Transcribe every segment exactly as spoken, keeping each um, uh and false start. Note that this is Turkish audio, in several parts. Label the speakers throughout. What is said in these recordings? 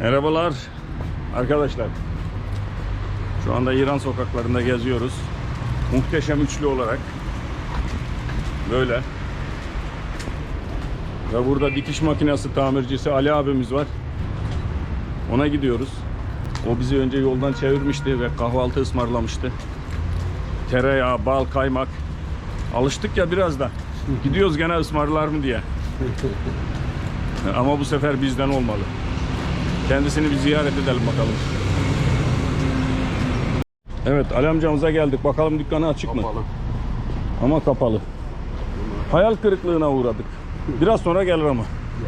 Speaker 1: Merhabalar arkadaşlar. Şu anda İran sokaklarında geziyoruz. Muhteşem üçlü olarak. Böyle. Ve burada dikiş makinesi tamircisi Ali abimiz var. Ona gidiyoruz. O bizi önce yoldan çevirmişti ve kahvaltı ısmarlamıştı. Tereyağı, bal, kaymak. Alıştık ya biraz da. Gidiyoruz gene ısmarlar mı diye. Ama bu sefer bizden olmalı. Kendisini bir ziyaret edelim bakalım. Evet, Ali amcamıza geldik. Bakalım dükkanı açık mı?
Speaker 2: Kapalı.
Speaker 1: Ama kapalı. Hayal kırıklığına uğradık. Biraz sonra gelir ama.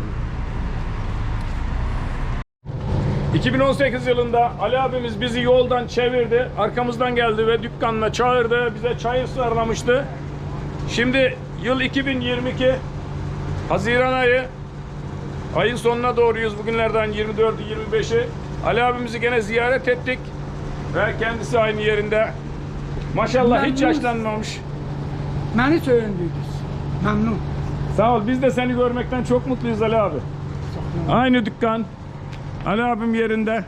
Speaker 1: iki bin on sekiz yılında Ali abimiz bizi yoldan çevirdi. Arkamızdan geldi ve dükkanına çağırdı. Bize çay ısmarlamıştı. Şimdi yıl iki bin yirmi iki. Haziran ayı. Ayın sonuna doğruyuz. Bugünlerden yirmi dördü yirmi beşi. Ali abimizi gene ziyaret ettik. Ve kendisi aynı yerinde. Maşallah hiç yaşlanmamış.
Speaker 3: Beni söyündüydünüz. Memnun.
Speaker 1: Sağ ol. Biz de seni görmekten çok mutluyuz Ali abi. Aynı dükkan. Ali abim yerinde.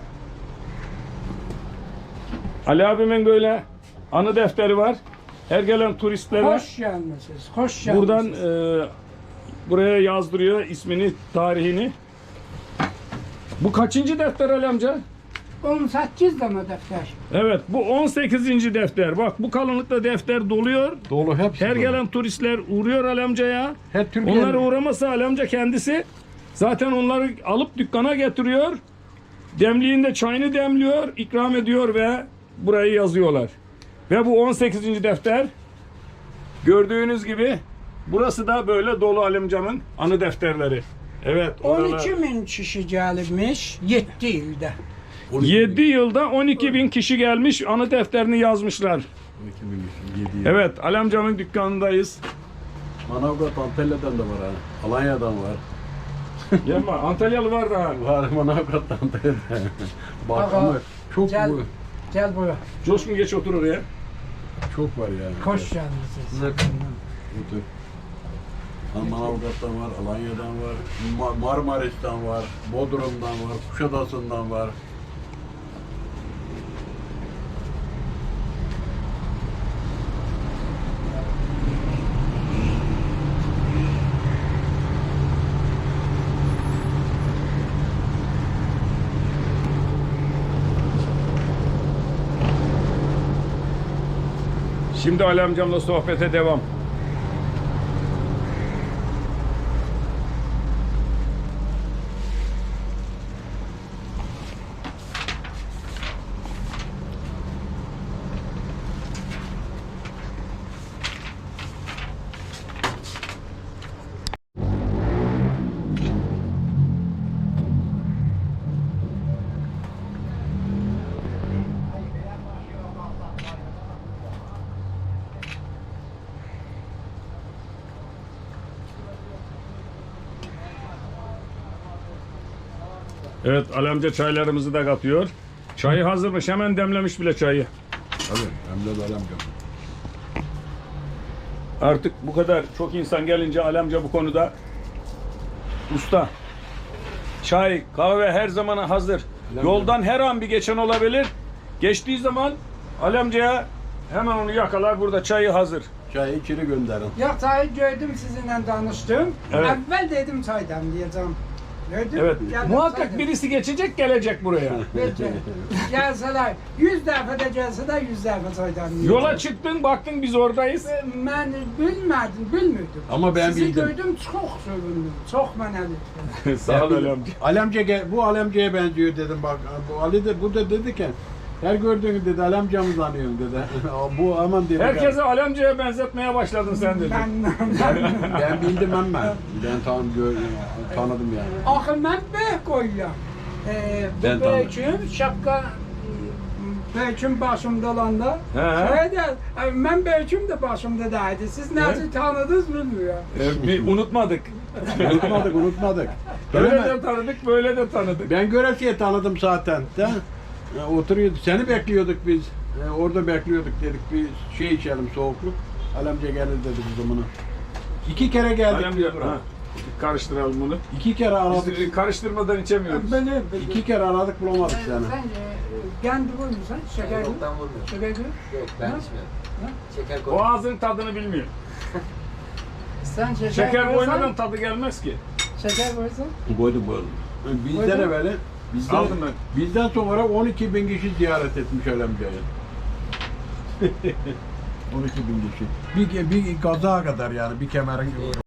Speaker 1: Ali abimin böyle anı defteri var. Her gelen turistlere
Speaker 3: Hoş gelmişsiniz. Hoş gelmişsiniz.
Speaker 1: buradan e, buraya yazdırıyor ismini, tarihini. Bu kaçıncı defter Ali amca?
Speaker 3: on sekiz tane defter.
Speaker 1: Evet, bu on sekizinci defter. Bak bu kalınlıkta defter doluyor.
Speaker 2: Dolu hepsi.
Speaker 1: Her
Speaker 2: dolu.
Speaker 1: gelen turistler uğruyor Ali amcaya.
Speaker 2: Hep Türkiye.
Speaker 1: Onları uğramasa Ali amca kendisi zaten onları alıp dükkana getiriyor. Demliğinde çayını demliyor, ikram ediyor ve burayı yazıyorlar. Ve bu on sekizinci defter. Gördüğünüz gibi burası da böyle dolu Ali amcamın anı defterleri. Evet.
Speaker 3: on
Speaker 1: oralar-
Speaker 3: iki bin kişi gelmiş yedi ilde.
Speaker 1: yedi yılda on iki bin kişi gelmiş, anı defterini yazmışlar. Evet, Ali amcamın dükkanındayız.
Speaker 2: Manavgat Antalya'dan da var ha. Alanya'dan var.
Speaker 1: Yapma, Antalyalı var da.
Speaker 2: Var Manavgat Antalya'dan. Bak
Speaker 3: Aha.
Speaker 2: ama çok
Speaker 3: Gel.
Speaker 2: bu,
Speaker 3: Gel buraya.
Speaker 1: Coşkun geç otur oraya.
Speaker 2: çok var yani.
Speaker 3: Hoş gelmişsiniz.
Speaker 2: Otur. Ha, Manavgat'tan var, Alanya'dan var, Ma- Marmaris'ten var, Bodrum'dan var, Kuşadası'ndan var.
Speaker 1: Şimdi Ali amcamla sohbete devam. Evet, Ali amca çaylarımızı da katıyor. Çayı hazırmış, hemen demlemiş bile çayı.
Speaker 2: Tabii, hem de Alem gömü.
Speaker 1: Artık bu kadar çok insan gelince Ali amca bu konuda usta. Çay, kahve her zamana hazır. Yoldan her an bir geçen olabilir. Geçtiği zaman Ali amcaya hemen onu yakalar, burada çayı hazır.
Speaker 2: Çayı içeri gönderin.
Speaker 3: Ya çayı gördüm sizinle tanıştım.
Speaker 1: Evet.
Speaker 3: Evvel dedim çaydan diyeceğim. Gördüm.
Speaker 1: Evet,
Speaker 3: geldim
Speaker 1: muhakkak
Speaker 3: çaydan.
Speaker 1: birisi geçecek, gelecek buraya.
Speaker 3: Gece. Gelseler, yüz defa de gelse de yüz defa çaydan diyeceğim.
Speaker 1: Yola çıktın, baktın biz oradayız.
Speaker 3: Ben bilmedim, bilmiyordum.
Speaker 2: Ama ben
Speaker 3: Sizi
Speaker 2: bildim.
Speaker 3: gördüm, çok sevindim. Çok mənəli.
Speaker 1: Sağ ol Ali amca.
Speaker 2: Alemce gel- bu Alemce'ye benziyor dedim bak. Bu Ali de bu da dedi ki her gördüğünü dedi Alemcamız anıyorum dedi. Bu aman dedi.
Speaker 1: Herkese Ali amcaya benzetmeye başladın sen dedi.
Speaker 3: Ben,
Speaker 2: ben, ben bildim ben ben. Ben tan gör, tanıdım yani.
Speaker 3: axı mən böyük qoyuram. Ee, bu
Speaker 2: Ben tanıdım.
Speaker 3: böyüküm, şapka böyüküm başımda olanda.
Speaker 1: He, he.
Speaker 3: Şöyle de, mən böyüküm de başımda deydi. Siz nasıl tanıdınız bilmiyorum.
Speaker 1: Ee, bir unutmadık.
Speaker 2: Unutmadık unutmadık.
Speaker 1: Böyle
Speaker 2: Ben,
Speaker 1: de tanıdık, böyle de tanıdık.
Speaker 2: ben Göresi'ye tanıdım zaten. De. Ya, oturuyordu. Seni bekliyorduk biz. E, orada bekliyorduk dedik bir şey içelim soğukluk. Alemce gelir dedi biz bunu. İki kere geldik
Speaker 1: Ali
Speaker 2: biz
Speaker 1: amca,
Speaker 2: buraya.
Speaker 1: ha. Bir karıştıralım bunu.
Speaker 2: İki kere aradık.
Speaker 1: Biz karıştırmadan içemiyoruz.
Speaker 3: Böyle,
Speaker 2: İki kere aradık bulamadık
Speaker 3: Sen,
Speaker 2: seni.
Speaker 3: sen e, kendi vurmuşsun, şeker
Speaker 4: Yok
Speaker 3: yok.
Speaker 4: ben vurmuyorum.
Speaker 3: Şeker yok.
Speaker 4: Yok ben
Speaker 3: Ha?
Speaker 4: içmiyorum.
Speaker 3: Ha?
Speaker 4: Şeker
Speaker 1: O
Speaker 4: koy.
Speaker 1: ağzın tadını bilmiyor.
Speaker 3: Sen şeker,
Speaker 1: Şeker
Speaker 3: koysan-
Speaker 1: koymadan tadı gelmez ki.
Speaker 3: Şeker koysan.
Speaker 2: Koydum koydum. Bizden
Speaker 3: Koydun.
Speaker 2: evveli, bizden,
Speaker 1: Aldım ben.
Speaker 2: bizden sonra on iki bin kişi ziyaret etmiş Alemca'yı. on iki bin kişi. Bir, bir kaza kadar yani bir kemerin